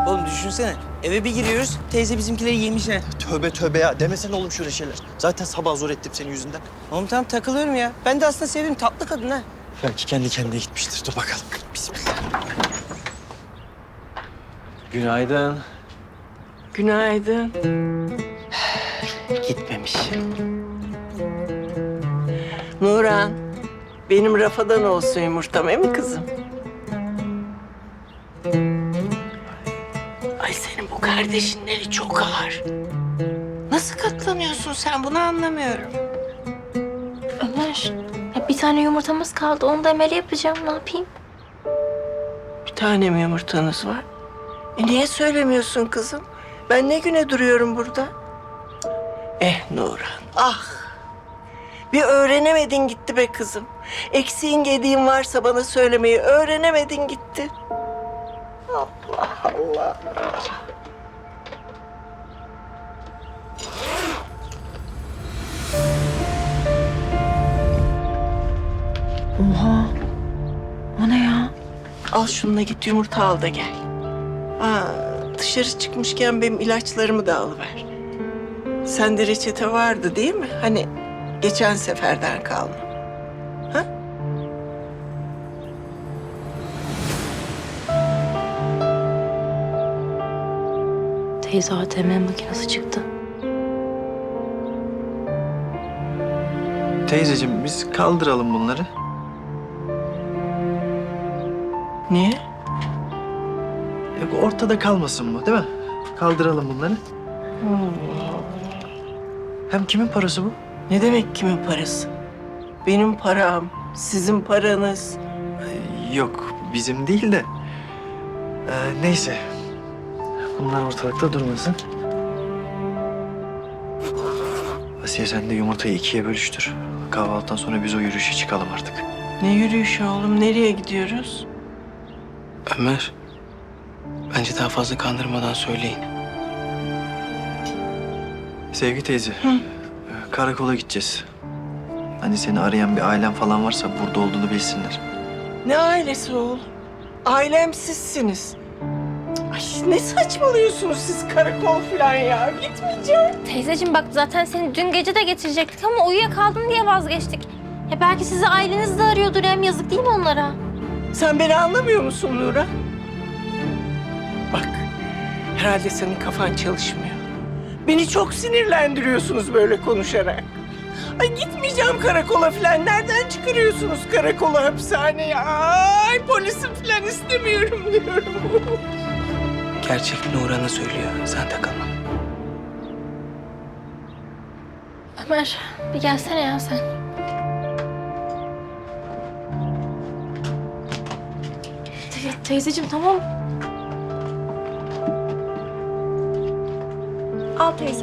Oğlum düşünsene. Eve bir giriyoruz. Teyze bizimkileri yemiş ha. Tövbe tövbe ya. Demesene oğlum şöyle şeyler. Zaten sabah zor ettim senin yüzünden. Oğlum tamam takılıyorum ya. Ben de aslında sevdim. Tatlı kadın ha. Belki kendi kendine gitmiştir. Dur bakalım. Bismillah. Günaydın. Günaydın. Gitmemiş. Nurhan, benim rafadan olsun yumurtam, mi kızım? Ay senin bu kardeşinleri çok ağır. Nasıl katlanıyorsun sen, bunu anlamıyorum. Ömer, ya bir tane yumurtamız kaldı. Onu da Emel'e yapacağım. Ne yapayım? Bir tane mi yumurtanız var? Niye söylemiyorsun kızım? Ben ne güne duruyorum burada? Nurhan, ah! Bir öğrenemedin gitti be kızım. Eksiğin gediğin varsa bana söylemeyi öğrenemedin gitti. Allah Allah. Oha. O ne ya? Al şununla git yumurta al da gel. Dışarı çıkmışken benim ilaçlarımı da alıver. Sende reçete vardı değil mi? Hani geçen seferden kalma. Ha? Teyze ATM makinesi çıktı. Teyzeciğim biz kaldıralım bunları. Niye? Yok, ortada kalmasın bu değil mi? Kaldıralım bunları. Hem kimin parası bu? Ne demek kimin parası? Benim param, sizin paranız. Yok bizim değil de. Neyse. Bunlar ortalıkta durmasın. Asiye sen de yumurtayı ikiye bölüştür. Kahvaltıdan sonra biz o yürüyüşe çıkalım artık. Ne yürüyüşü oğlum? Nereye gidiyoruz? Ömer. Bence daha fazla kandırmadan söyleyin. Sevgi teyze. Karakola gideceğiz. Hani seni arayan bir ailen falan varsa burada olduğunu bilsinler. Ne ailesi oğlum? Ailem sizsiniz. Ay ne saçmalıyorsunuz siz karakol falan ya? Gitmeyeceğim. Teyzeciğim bak zaten seni dün gece de getirecektik ama uyuyakaldın diye vazgeçtik. Ya belki sizi aileniz de arıyordur, hem yazık değil mi onlara? Sen beni anlamıyor musun Nura? Bak, herhalde senin kafan çalışmıyor. Beni çok sinirlendiriyorsunuz böyle konuşarak. Ay gitmeyeceğim karakola falan. Nereden çıkarıyorsunuz karakola, hapishaneye? Ay polisim falan istemiyorum diyorum. Gerçek Nurhan'a söylüyor. Sen takılma. Ömer bir gelsene ya sen. Teyzeciğim tamam. Al teyze.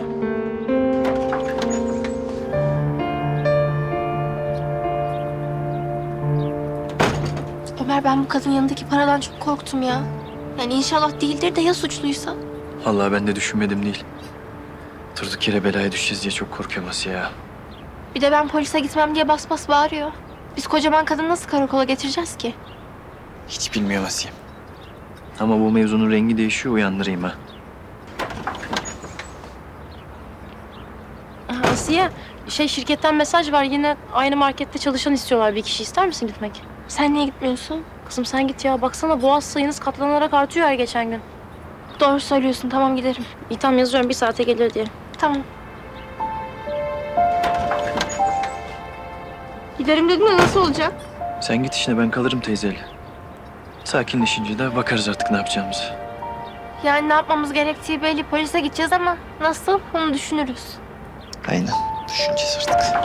Ömer ben bu kadın yanındaki paradan çok korktum ya. Yani inşallah değildir de ya suçluysa? Vallahi ben de düşünmedim değil. Durduk yere belaya düşeceğiz diye çok korkuyorum Asiye ya. Bir de ben polise gitmem diye bas bas bağırıyor. Biz kocaman kadını nasıl karakola getireceğiz ki? Hiç bilmiyorum Asiye. Ama bu mevzunun rengi değişiyor, uyandırayım ha. Asiye, şirketten mesaj var. Yine aynı markette çalışan istiyorlar bir kişi. İster misin gitmek? Sen niye gitmiyorsun? Kızım sen git ya. Baksana boğaz sayınız katlanarak artıyor her geçen gün. Doğru söylüyorsun, tamam giderim. İyi tamam yazıyorum 1 saate gelir diye. Tamam. Giderim dedim de nasıl olacak? Sen git işine, ben kalırım teyzeyle. Sakinleşince de bakarız artık ne yapacağımızı. Yani ne yapmamız gerektiği belli. Polise gideceğiz ama nasıl onu düşünürüz. Aynen. Düşüneceğiz artık.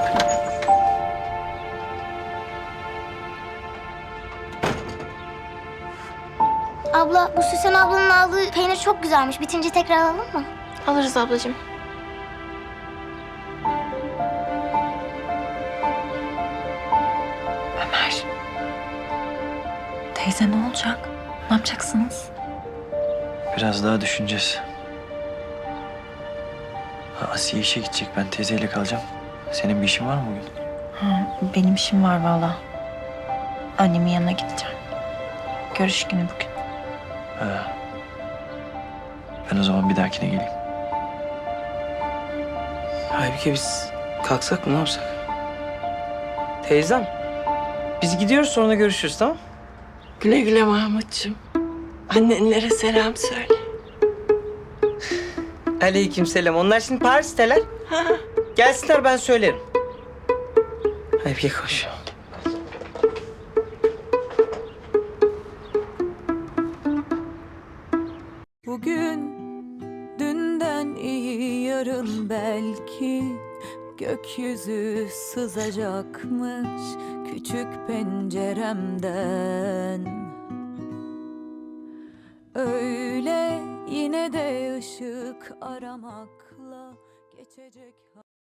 Abla, bu Süsen ablanın aldığı peynir çok güzelmiş. Bitince tekrar alalım mı? Alırız ablacığım. Ömer. Teyze ne olacak? Ne yapacaksınız? Biraz daha düşüneceğiz. Asiye işe gidecek, ben teyzeyle kalacağım. Senin bir işin var mı bugün? Benim işim var valla. Annemin yanına gideceğim. Görüş günü bugün. Ha. Ben o zaman bir dahakine geleyim. Halbuki biz kalksak mı ne yapsak? Teyzem, biz gidiyoruz sonra görüşürüz tamam? Güle güle Mahmutcuğum. Annenlere selam söyle. Aleykümselam. Onlar şimdi Paris'teler. Gelsinler ben söylerim. Hadi bir koş. Bugün dünden iyi yarın belki gökyüzü sızacakmış küçük penceremden. Öyle yine de ışık aramakla geçecek.